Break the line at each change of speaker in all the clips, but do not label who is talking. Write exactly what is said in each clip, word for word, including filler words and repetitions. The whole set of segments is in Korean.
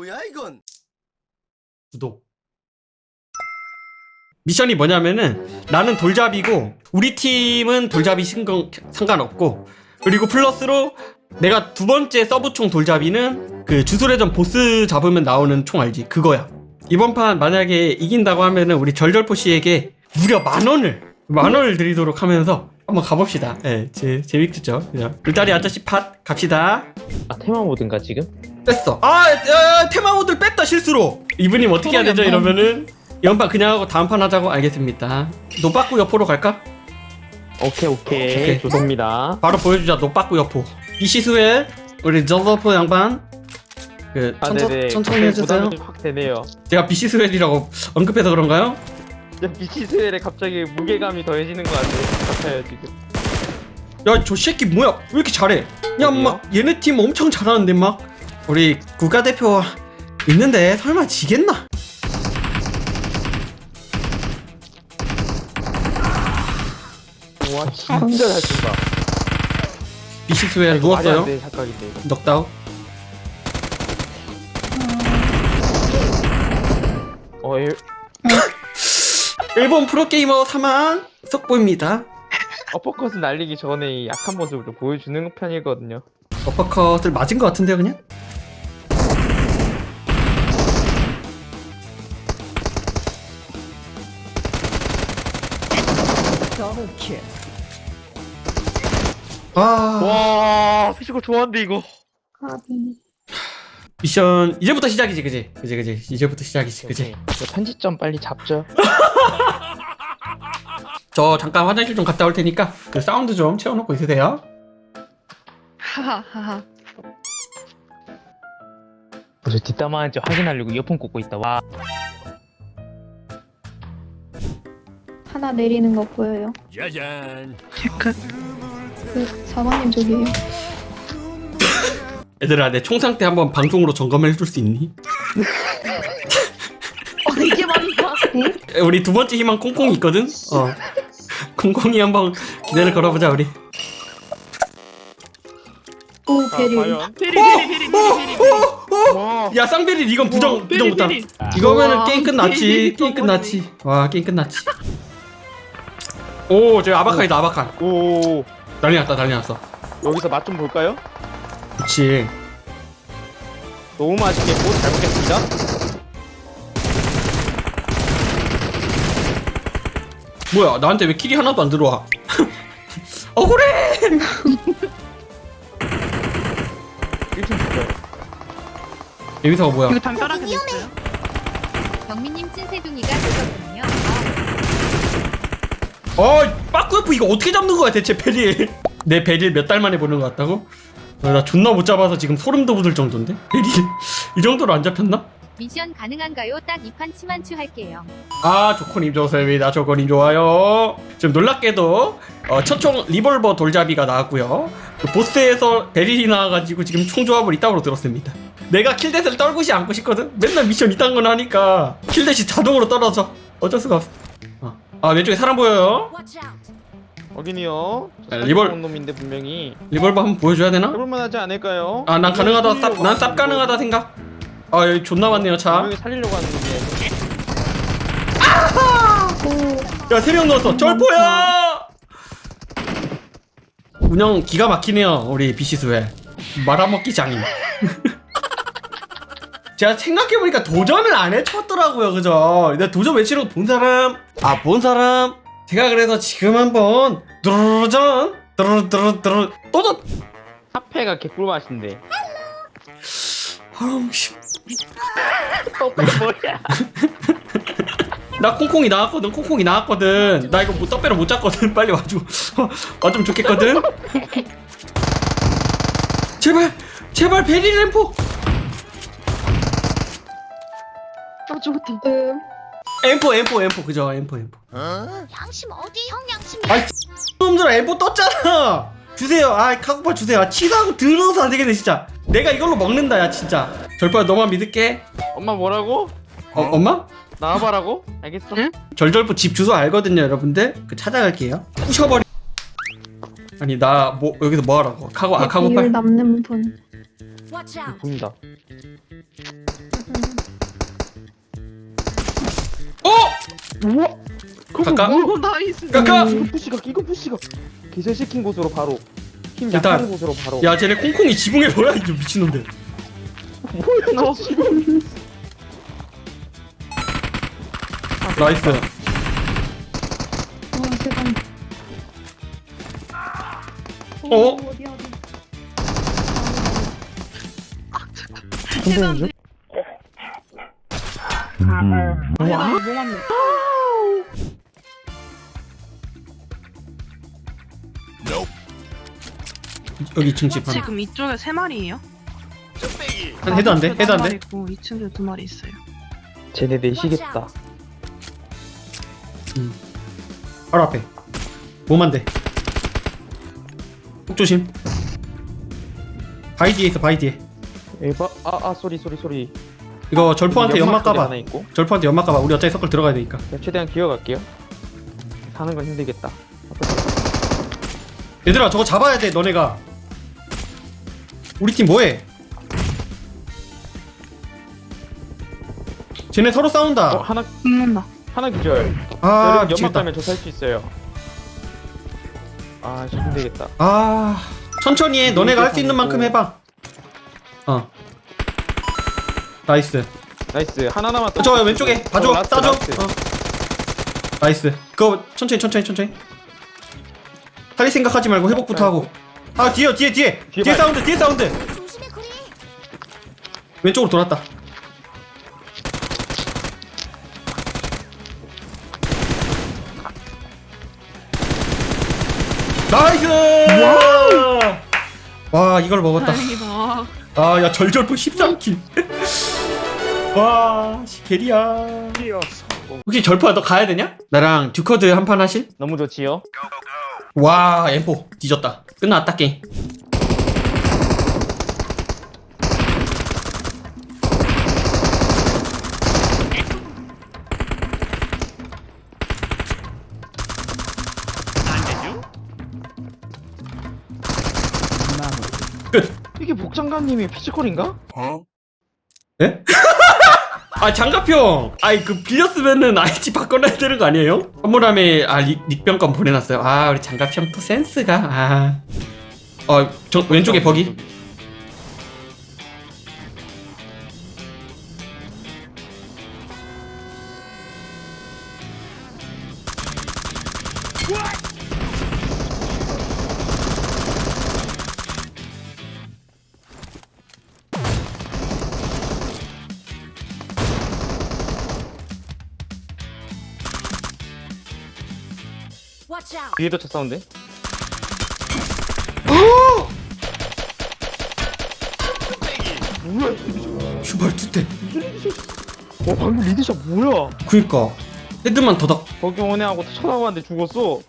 뭐야 이건?
구독. 미션이 뭐냐면은 나는 돌잡이고 우리 팀은 돌잡이 신경 상관없고, 그리고 플러스로 내가 두 번째 서브총 돌잡이는 그 주술회전 보스 잡으면 나오는 총 알지? 그거야. 이번 판 만약에 이긴다고 하면은 우리 절절포씨에게 무려 만원을 만원을 드리도록 하면서 한번 가봅시다. 예, 제, 재밌겠죠? 그냥 울다리 아저씨 팟 갑시다.
아 테마 모드인가 지금?
뺐어. 아, 야, 테마 모드를 뺐다 실수로. 이분님 어떻게 해야 되죠? 이러면은 이번 판 그냥 하고 다음 판 하자고. 알겠습니다. 노빠꾸 여포로 갈까?
오케이 오케이,
오케이.
좋습니다.
바로 보여주자. 노빠꾸 여포. 이시수엘 우리 저저포 양반 그
아
천천,
네네.
천천히 해주세요.
부담이 확 되네요.
제가 비시스웰이라고 언급해서 그런가요?
비치스웰에 갑자기 무게감이 더해지는 것 같아요. 같아요 지금.
야, 저 새끼 뭐야? 왜 이렇게 잘해? 야,
어디요?
막 얘네 팀 엄청 잘하는데 막 우리 국가대표 있는데 설마 지겠나?
와 진짜 잘 쏜다.
비시스웰
이거 말이 안
누웠어요.
돼, 착각인데 이거.
넉다운.
어 일,
일본 프로게이머 사망 속보입니다.
어퍼컷을 날리기 전에 이 약한 모습을 좀 보여주는 편이거든요.
어퍼컷을 맞은 것 같은데요, 그냥? 아,
와 피지컬 좋아한데 이거.
미션 이제부터 시작이지, 그지? 그지, 그지? 이제부터 시작이지, 그지?
오케이. 저 편집점 빨리 잡죠.
저 잠깐 화장실 좀 갔다 올 테니까 그 사운드 좀 채워놓고 있으세요.
하하하하.
저 뒷담화한지 확인하려고 이어폰 꽂고 있다. 와.
하나 내리는 거 보여요?
짜잔.
잠깐. 그 사방님 저기에요.
얘들아, 내 총 상태 한번 방송으로 점검해 줄 수 있니?
어 이게 맞나? 네?
우리 두 번째 희망 콩콩이 있거든? 어. 콩콩이 한번 기대를 걸어보자, 우리.
오
아,
베리.
과연? 와.
야, 쌍베리 이건 부정, 부정 못함.
베리.
이거면은
와,
게임 끝났지.
베리
게임 끝났지. 와, 게임 끝났지. 오, 저기 아바칸이다, 아바칸.
오.
난리 났다, 난리 났어.
여기서 맛 좀 볼까요?
그치.
너무 맛있겠고 잘 먹겠습니다.
뭐야, 나한테 왜 킬이 하나도 안 들어와? 억울해!
일 층 줄까요?
여기서가 뭐야?
이거 담벼락에 있어요?
경민님 찐새둥이가 되거든요.
어, 빠꾸여프 이거 어떻게 잡는 거야 대체 베릴? 내 베릴 몇 달 만에 보는 거 같다고? 어, 나 존나 못 잡아서 지금 소름 돋을 정도인데? 베릴 이 정도로 안 잡혔나?
미션 가능한가요? 딱 이 판 치만추 할게요.
아, 조코님 좋습니다. 조코님 좋아요. 지금 놀랍게도 어, 첫총 리볼버 돌잡이가 나왔고요. 그 보스에서 베릴이 나와가지고 지금 총 조합을 이따구로 들었습니다. 내가 킬댓을 떨구시 않고 싶거든? 맨날 미션 이딴 건 하니까 킬댓이 자동으로 떨어져. 어쩔 수가 없어. 어. 아, 왼쪽에 사람 보여요.
확인이요.
아, 리볼-
온 놈인데 분명히
리볼버 한번 보여줘야 되나?
해볼만하지 않을까요?
아, 난 가능하다. 쌉, 난 쌉 가능하다 생각. 아, 여기 존나 많네요, 차.
분명히 살리려고 하는 놈이에요.
야, 세 명 넣었어. 절포야! 운영 기가 막히네요, 우리 비시스웰. 말아먹기 장인. 제가 생각해보니까 도전을 안 해쳤더라고요, 그죠? 내가 도전 외치는 거 본 사람? 아, 본 사람? 제가 그래서 지금 한번 도전 도전 도전
사패가 개꿀 맛인데.
아우 씨.
뭐야?
나 콩콩이 나왔거든. 콩콩이 나왔거든. 나 이거 뭐 떡배로 못 잡거든. 빨리 와줘. 와좀 좋겠거든. 제발 제발 베리 램포.
아 죽었다. 음.
엠포 엠포 엠포 그죠? 엠포 엠포.
양심 어디? 형 양심이.
아이 놈들아 엠포 떴잖아. 주세요. 아 카고파 주세요. 아, 치사하고 들어서 안 되겠네 진짜. 내가 이걸로 먹는다 야 진짜. 절파야 너만 믿을게.
엄마 뭐라고?
어 엄마?
나와봐라고? 알겠어.
응?
절절포 집 주소 알거든요 여러분들. 그 찾아갈게요. 부셔버리. 아니 나 뭐 여기서 뭐 하라고? 카고 아 카고파.
이율 남는 분.
보인다. 우와.
가까?
오 나이스.
가까?
이거 푸시가 이거 푸시가 기절시킨 곳으로 바로 힘
일단-
약한 곳으로 바로.
야 쟤네 콩콩이 지붕에 뭐야 이 미친놈들.
뭐야 나 지금.
나이스.
와 세상.
어?
어디 어디.
선생님 중?
와. 뭐 맞네.
여기 층집 하나.
지금 이쪽에 세 마리예요?
한 해도 안 돼? 해도 안 돼?
있고 이 층에 두 마리 있어요.
쟤네 내시겠다.
바로 앞에. 몸안 돼. 꼭 조심. 바위 뒤에 있어 바위 뒤에.
에바 아아 소리 소리 소리.
이거 절포한테 연막
소리
까봐.
하나 있고.
절포한테 연막 까봐. 우리 어차피 서클 들어가야 되니까.
그냥 최대한 기어갈게요. 사는 건 힘들겠다.
얘들아 저거 잡아야 돼 너네가. 우리 팀 뭐해? 쟤네 서로 싸운다.
어 하나
죽는다.
하나 기절.
아
여러분 연막
미치겠다.
가면 저 살 수 있어요. 아 진짜 힘들겠다.
아 천천히 해. 너네가 할 수 있는 만큼 해봐. 어. 나이스.
나이스 하나 남았다.
저 왼쪽에 봐줘.
어, 라스트,
따줘.
라스트.
어. 나이스. 그거 천천히 천천히 천천히. 살릴 생각하지 말고 회복부터 하고. 아 뒤에 뒤에 뒤에
뒤에
뒤에
봐요.
사운드 뒤에 사운드. 왼쪽으로 돌았다. 나이스. 와 이걸 먹었다.
다행이다.
아 야 절절포 십삼 킬. 와 씨, 게리야. 혹시 절포야 너 가야 되냐? 나랑 듀커드 한 판 하실?
너무 좋지요.
와 엠포 뒤졌다. 끝났다 게임. 끝.
이게 복장관님이 피지컬인가?
예? 아 장갑형. 아이 그 빌렸으면은 아이디 바꿔놔야 되는 거 아니에요? 선물함에 아 닉, 닉병권 보내놨어요. 아 우리 장갑형 또 센스가. 아. 어 저, 왼쪽에 버기.
뒤에도 차 사운드. 뭐야?
슈발 투대.
와 방금 리드샷 뭐야?
그니까 헤드만 더덕.
거기 오네 하고 쳐다봤는데 죽었어.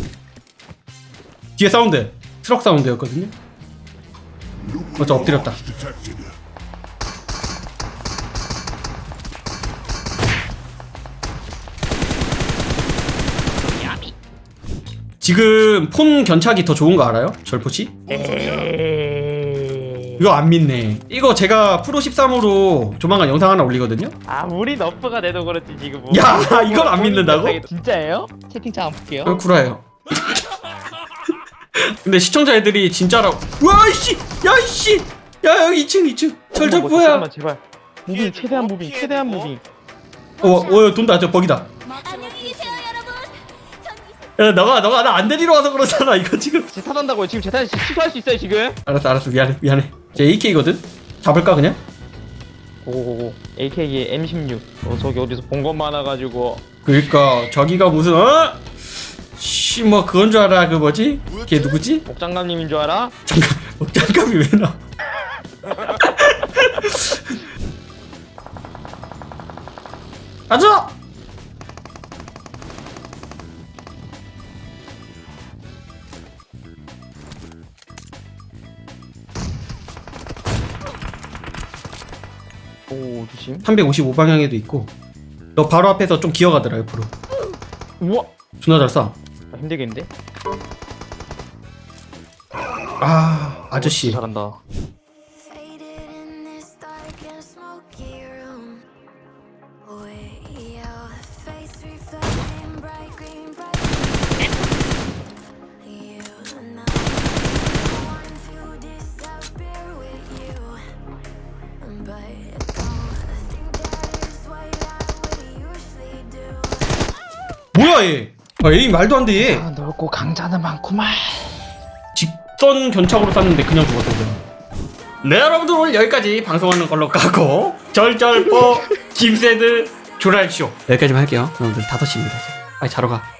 뒤에 사운드. 트럭 사운드였거든요. 맞아 엎드렸다. 지금 폰 견착이 더 좋은 거 알아요? 절포치? 이거 안 믿네. 이거 제가 프로 십삼으로 조만간 영상 하나 올리거든요?
아무리 너프가 돼도 그렇지 지금. 뭐.
야, 이걸 안 믿는다고?
진짜예요? 채팅창 안 볼게요.
어, 구라예요. 근데 시청자 애들이 진짜라고. 와 이씨! 야 이씨! 야 여기 이 층 이 층 절절포야.
잠깐만 제발. 무빙 최대한 무빙 최대한 무빙.
어, 어 돈다. 저 버기다.
안녕히 계세요, 여러분.
야 너가 너가 나 안 데리러 와서 그러잖아. 이거 지금.
제 탓한다고요. 지금 제 탓 취소할 수 있어요 지금.
알았어 알았어 미안해 미안해. 제 에이케이거든. 잡을까 그냥?
오오오. 에이케이 엠 십육. 어 저기 어디서 본 것 많아가지고.
그러니까 저기가 무슨 어? 씨 뭐 그건 줄 알아. 그 뭐지? 걔 누구지?
복장감님인 줄 알아?
잠깐 어, 장갑이 왜 나? 가자.
오 조심.
삼백오십오 방향에도 있고. 너 바로 앞에서 좀 기어가더라 옆으로.
우와.
존나 잘 쏴.
아, 힘들겠는데?
아 아저씨.
잘한다.
Faded in this dark and smoky room, where your face reflects
뭐야 얘? 아, 에임 말도 안 돼. 얘.
아, 넓고 강자는 많구만.
직선 견착으로 쐈는데 그냥 죽었어. 그냥. 네 여러분들 오늘 여기까지 방송하는 걸로 가고 절절뽀 김새들 조랄쇼 여기까지만 할게요. 여러분들 다섯 시입니다. 빨리 자러 가.